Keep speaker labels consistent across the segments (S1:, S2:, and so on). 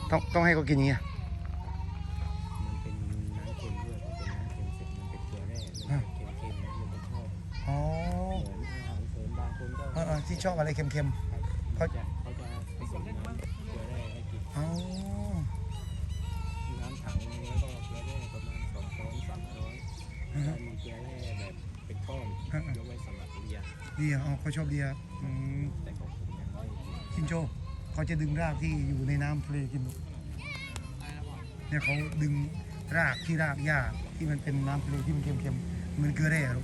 S1: ต้องให้เขากินอย่างเงี้ย
S2: มันเป็นน้ำเค็มด้วยพอเป็นน้ำเค็มเสร็จมันเป็นเกลือแร่มันเค็มๆมันจะชอบ
S1: อ๋อ
S2: เหมือนอาหารเสริมบางคนก็
S1: ที่ชอบอะไรเค็ม
S2: เขาจะผสมน้ำเกลือแร่ให้กิน
S1: อ๋อ
S2: น้ำถังนี้แล้วก็เกลือแร่ประมาณ200-300ถ้ามีเกลือแร่แบบเป็นก้อนยกไว้สำหรับเลีย
S1: ดีอ๋อเขาชอบเดีย
S2: แต่ของผมยังไม่
S1: กินโจเขาจะดึงรากที่อยู่ในน้ำทะเลกินเนี่ยเขาดึงรากหญ้าที่มันเป็นน้ำทะเลที่มันเค็มๆมันเกลือแร่หรอ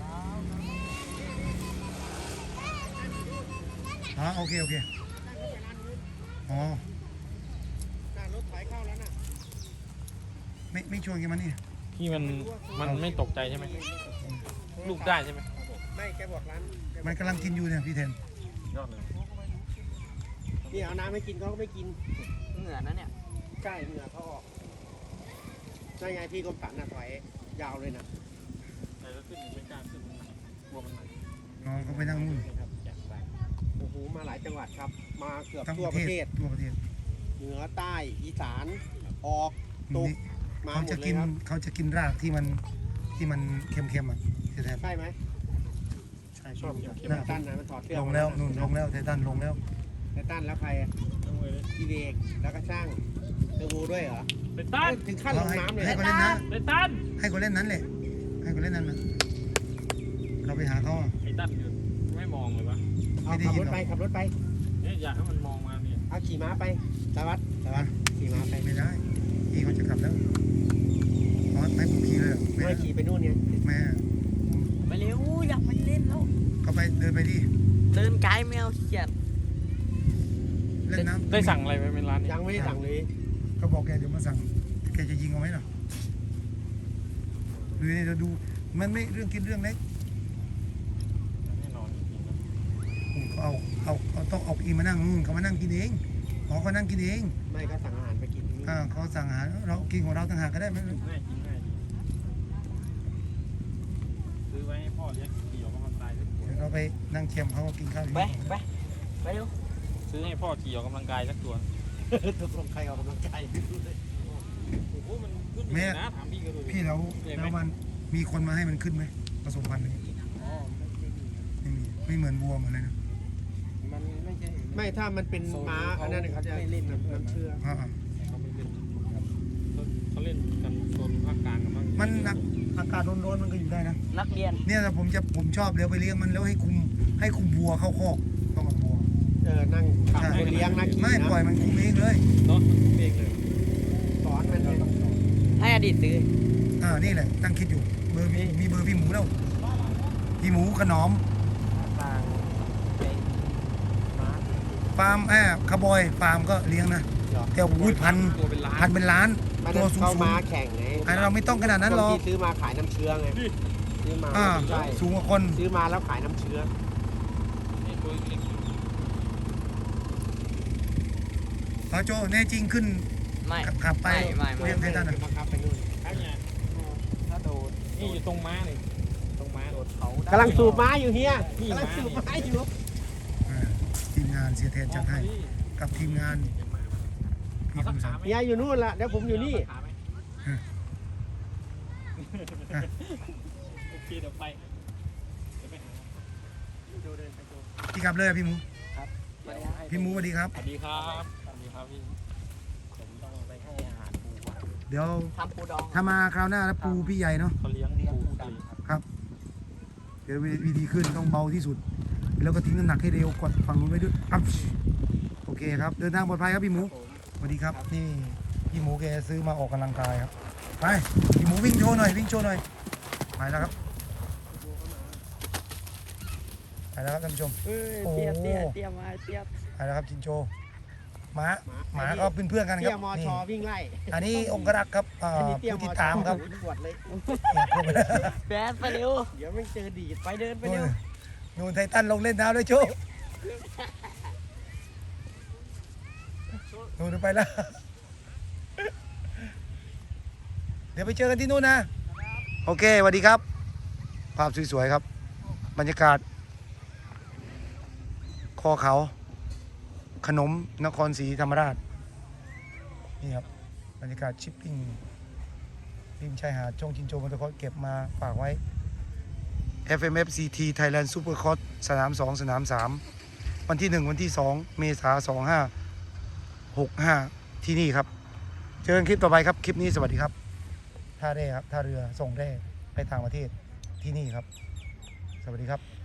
S1: โอเคอ๋อรถไถเข้าแล้วนะไม่ชวนกันมันนี่
S3: พี่มันไม่ตกใจใช่ไหมลูกได้ใช่ไหม
S2: ไม่แกบอกร้าน
S1: มันกำลังกินอยู่เนี่ยพี่เทน
S3: ยอดเลย
S2: นี่เอาน้ำให้กินเขาก็ไม่กิน
S4: เหงื่อนะเนี่ย
S2: ใช่เหงื่อเขาออกใช่ไงพี่กรมสรรถอยยาวเลยนะ
S3: แต่ก็ขึ้นไม่กล้าขึ้นกลัวมันหนัก
S1: น้องเขาไปนั่งนู่น
S2: โอ้โหมาหลายจังหวัดครับมาเกือบทั่วประเทศเหนือใต้อีสานออกตกมาหมดเลยครับ
S1: เขาจะกินรากที่มันเค็มอ่ะ
S2: ใช่ไหม
S1: ใช่
S2: ชอบไททันนะมันถอดเสื้อ
S1: ลงแล้วนู่นลงแล้วไททันลงแล้ว
S2: ไททันแล้วใครพี่เด็กแล้วก็ช่างเทอร์โบด้วยเหรอ
S3: ไททัน
S2: ถึงขั้นลงน้ำเลย
S1: ให้เขาเล่นนั้น
S3: ไททัน
S1: ให้เขาเล่นนั้นเลยให้เขาเล่นนั้นนะเราไปหาเขา
S3: ไททันอยู่ไม่มองเลยวะ
S2: ขับรถไป
S3: เนี่ยอยากให้มันมองมาเนี่ย
S2: เอาขี่ม้าไปสวัสดิ์ขี่ม้าไป
S1: ไม่ได้ขี่เขาจะกลับแล้วไม่ผมขี่เลย
S2: ไม่ขี่ไปนู่นเนี่ย
S1: แม่
S4: ไปเร็วอยากไปเล่นแล้ว
S1: เขาไปเดินไปดิ
S4: เดินไกลแมวเขียด
S1: เล่นน้ำ
S3: ได้สั่งอะไรไปเป็นร้าน
S2: ยังไม่ได้สั่งเลย
S1: เขาบอกแกเดี๋ยวมาสั่งแกจะยิงเอาไหมหรอหรือเนี่ยเราดูมันไม่เรื่องกินเรื่องเล็ก
S3: แน่นอนจริงๆนะ
S1: เขาต้องเอาอีมานั่งเขามานั่งกินเองเขานั่งกินเอง
S2: ไม่ก็สั่งอาหารไปกิน
S1: เขาสั่งอาหารเรากินของเราต่างหากก็ได้ไหม
S3: ง่ายซื้อไว้ให้พ่อเลี้ยงขี่ออกกำลังกายสักตัว
S1: เราไปนั่งเค็มเขาก็กินข้าว
S4: ไปเร็ว
S3: ซื้อให้พ่อขี่ออกกำลังกายสักตัว
S2: ตกลงใครออกกำลังกาย
S3: โอ้โหมันขึ้นนะถามพี่ก็ดู
S1: พี่แล้วมันมีคนมาให้มันขึ้นไหมผสมพันธุ์นี้ไม่เหมือนวัวเหมือนอะไรนะ
S2: มันไม่ถ้ามันเป็นม้าอันนั้นเขาจะเล่นน้ำเชื่อ
S3: เขาเล่นกันโซนภาคกลางกันบ้าง
S1: มันอากาศร้อนๆมันก็อยู่ได้นะ
S4: นักเรียน
S1: เนี่ยผมชอบเลี้ยวไปเลี้ยงมันแล้วให้คุมวัวเข้าคอกต้องกับวัว
S2: นั่งคนเลี้ยงนะ
S1: ไม่ปล่อยมันคุมเองเลย
S3: เนาะเองเลย
S2: สอนมัน
S4: ให้อดีตซื้อ
S1: นี่แหละตั้งคิดอยู่มีเบอร์พี่หมูแล้วพี่หมูขนอมฟาร์มคาร์บอยฟาร์มก็เลี้ยงนะแต่พันเป็นล้านตัวสูง
S2: มาแข่งไง
S1: เราไม่ต้องขนาดนั้นหรอก
S2: ซื้อมาขายน้ำเชื้อไงซื้อมา
S1: สูงกว่าคน
S2: ซื้อมาแล้วขายน้ำเชื้อ
S1: โจแน่จริงขึ้นขับไป
S4: เรี
S1: ยกไททัน
S2: มาขับไปนู่น
S3: ถ้าโดนนี่อยู่ตรงม้าเลยตรงม้าโดดเขา
S2: กำลังสูบม้าอยู่เฮียกำลังสูบม้าอยู่
S1: ทีมงานเสียแทนจัดให้กับทีมงาน
S2: พี่คุณสามเฮียอยู่นู่นละเดี๋ยวผมอยู่นี่
S3: โอเคเดี๋ยวไป
S1: พี่กลับเลยพี่หมู
S2: ครับ
S1: พี่หมูสวัสดีครับ
S3: สวัสดีครับพี่
S2: ผมต้องไปให้อาหารปู
S1: เดี๋ยว
S4: ทำปูดอง
S1: ถ้ามาคราวหน้าแล้วปูพี่ใหญ่เนาะ
S3: เขาเลี้ยงปูดำ
S1: ครับเดี๋ยววิธีขึ้นต้องเบาที่สุดแล้วก็ทิ้งน้ำหนักให้เร็วกดฝั่งนู้นไว้ด้วยโอเคครับเดินทางปลอดภัยครับพี่หมูสวัสดีครับนี่พี่หมูแกซื้อมาออกกำลังกายครับไปพี่หมูวิ่งโชว์หน่อยไปแล้วครับท่านผู้ชม
S4: เตี้ยมา
S1: ไปแล้วครับจินโจหมาก็เป็นเพื่อนกันครับ
S2: นี่วิ่งไล่
S1: อันนี้องครักษ์ครับผู้ติดตามครับ
S4: แบดไปเร็ว
S2: เดี๋ยวไม่เจอดี
S4: ไปเดินไปเร็ว
S1: นูนไททันลงเล่นน้ำด้วยโจนูนไปแล้วเดี๋ยวไปเจอกันที่นู่นนะโอเคสวัสดีครับภาพสวยๆครับบรรยากาศคอเขาขนมนครศรีธรรมราชนี่ครับบรรยากาศชิปปิ้งริมชายหาดช่องชินโจมอเตอร์คอร์สเก็บมาฝากไว้ FMFCT Thailand Super Cross สนาม 2 สนาม 3 วันที่ 1 วันที่ 2 เมษายน2565 ที่นี่ครับ เจอกันคลิปต่อไปครับ คลิปนี้สวัสดีครับ ท่าแร่ครับ ท่าเรือส่งแร่ไปต่างประเทศที่นี่ครับ สวัสดีครับ